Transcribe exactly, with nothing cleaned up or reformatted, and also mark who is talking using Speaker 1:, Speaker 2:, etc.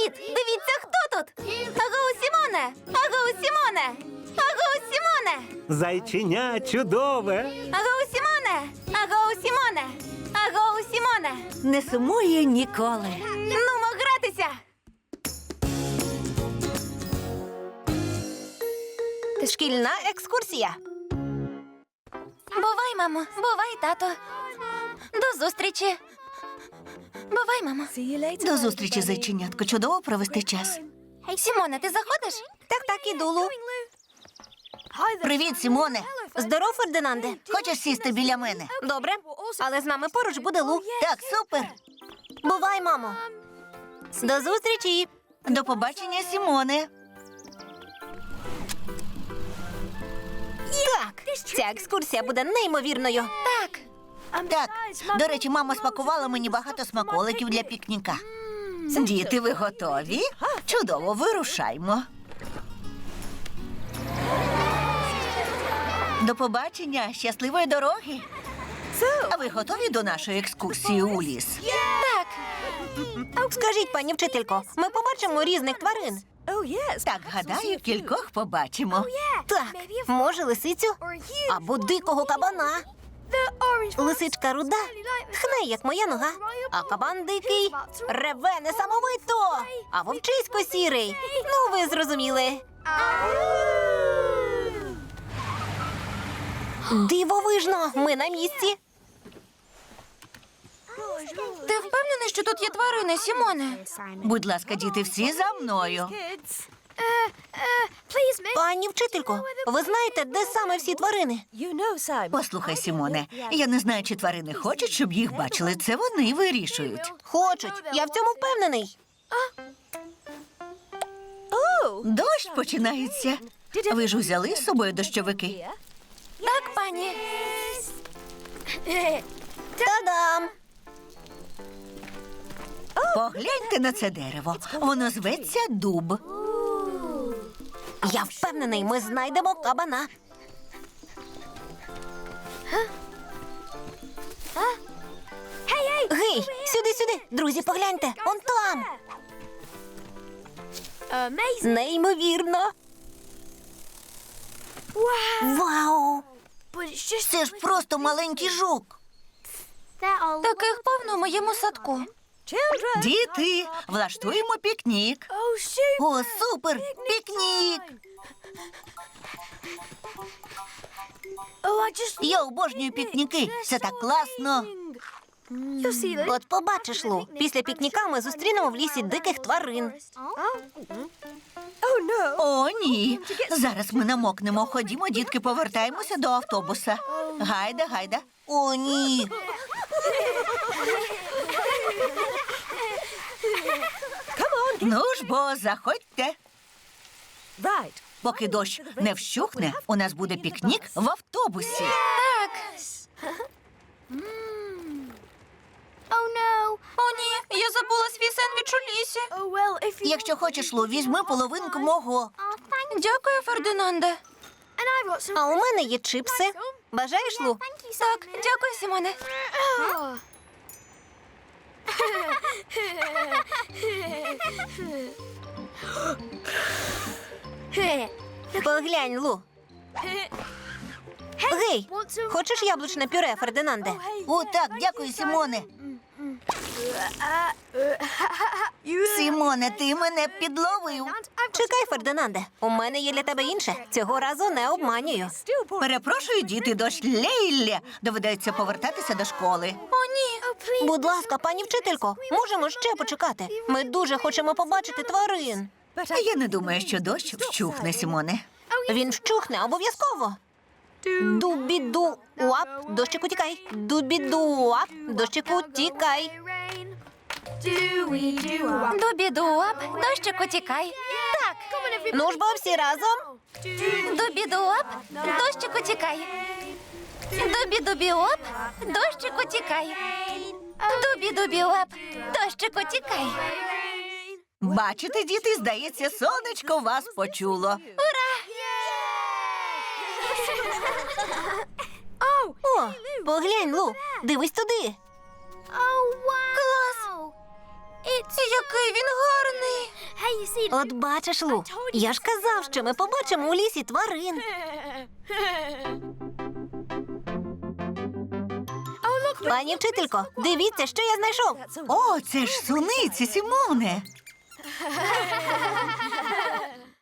Speaker 1: Привіт! Дивіться, хто тут! Агоу, Сімоне! Агоу, Сімоне! Агоу, Сімоне!
Speaker 2: Зайченя чудове.
Speaker 1: Агоу, Сімоне! Агоу, Сімоне! Агоу, Сімоне!
Speaker 3: Не сумує ніколи.
Speaker 1: Нумо гратися!
Speaker 3: Шкільна екскурсія.
Speaker 1: Бувай, мамо! Бувай, тато! До зустрічі! Бувай, мамо!
Speaker 3: До зустрічі, зайченятко. Чудово провести час.
Speaker 1: Сімоне, ти заходиш?
Speaker 3: Так, так, іду, Лу. Привіт, Сімоне.
Speaker 1: Здоров, Фердинанде!
Speaker 3: Хочеш сісти біля мене?
Speaker 1: Добре, але з нами поруч буде Лу.
Speaker 3: Так, супер.
Speaker 1: Бувай, мамо! До зустрічі!
Speaker 3: До побачення, Сімоне.
Speaker 1: Так, ця екскурсія буде неймовірною. Так.
Speaker 3: Так, до речі, мама смакувала мені багато смаколиків для пікніка. Діти, ви готові? Чудово, вирушаймо. До побачення, щасливої дороги. А ви готові до нашої екскурсії у ліс?
Speaker 1: Так. Скажіть, пані вчителько, ми побачимо різних тварин.
Speaker 3: Так, гадаю, кількох побачимо.
Speaker 1: Так, може лисицю або дикого кабана. Лисичка руда хне, як моя нога, а кабан дикий реве несамовито, а вовчисько сірий. Ну, ви зрозуміли. Дивовижно, ми на місці. Ти впевнений, що тут є тварини, Сімоне?
Speaker 3: Будь ласка, діти, всі за мною.
Speaker 1: Пані вчителько, ви знаєте, де саме всі тварини?
Speaker 3: Послухай, Сімоне, я не знаю, чи тварини хочуть, щоб їх бачили. Це вони вирішують.
Speaker 1: Хочуть, я в цьому впевнений.
Speaker 3: Дощ починається. Ви ж узяли з собою дощовики?
Speaker 1: Так, пані. Та-дам!
Speaker 3: Погляньте на це дерево. Воно зветься дуб.
Speaker 1: Я впевнений, ми знайдемо кабана. Гей, сюди-сюди. Друзі, погляньте. Он там. Неймовірно. Вау!
Speaker 3: Це ж просто маленький жук.
Speaker 1: Таких повно в моєму садку.
Speaker 3: Діти, влаштуємо пікнік. О, супер! Пікнік! Я обожнюю пікніки. Це так класно.
Speaker 1: От побачиш, Лу, після пікніка ми зустрінемо в лісі диких тварин.
Speaker 3: О, ні. Зараз ми намокнемо. Ходімо, дітки, повертаємося до автобуса. Гайда, гайда.
Speaker 1: О, ні.
Speaker 3: Ну ж бо, заходьте. Поки дощ не вщухне, у нас буде пікнік в автобусі.
Speaker 1: Так. О, ні, я забула свій сендвіч у лісі.
Speaker 3: Якщо хочеш, Лу, візьми половинку мого.
Speaker 1: Дякую, Фердинанде. А у мене є чипси. Бажаєш, Лу? Так, дякую, Сімоне. Поглянь, Лу. Гей, хочеш яблучне пюре, Фердинанде?
Speaker 3: О, так, дякую, Сімоне. Сімоне, ти мене підловив.
Speaker 1: Чекай, Фердинанде, у мене є для тебе інше. Цього разу не обманюю.
Speaker 3: Перепрошую, діти, дощ лє. Доведеться повертатися до школи.
Speaker 1: О, ні. Будь ласка, пані вчителько, можемо ще почекати. Ми дуже хочемо побачити тварин.
Speaker 3: Я не думаю, що дощ вщухне, Сімоне.
Speaker 1: Він вщухне обов'язково. Дубіду-уап, дощику тікай. Дубіду-уап, дощику тікай. Дубіду-уап, дощику тікай. Так. Ну ж бо всі разом. Дубіду-уап, дощику тікай. Дубі-дубі-оп, дощику тікай. Дубі-дубі-оп, дощику тікай.
Speaker 3: Бачите, діти, здається, сонечко вас почуло.
Speaker 1: О, поглянь, Лу, дивись туди. Клас! Який він гарний! От бачиш, Лу, я ж казав, що ми побачимо у лісі тварин. Пані вчителько, дивіться, що я знайшов.
Speaker 3: О, це ж суниці, Сімоне.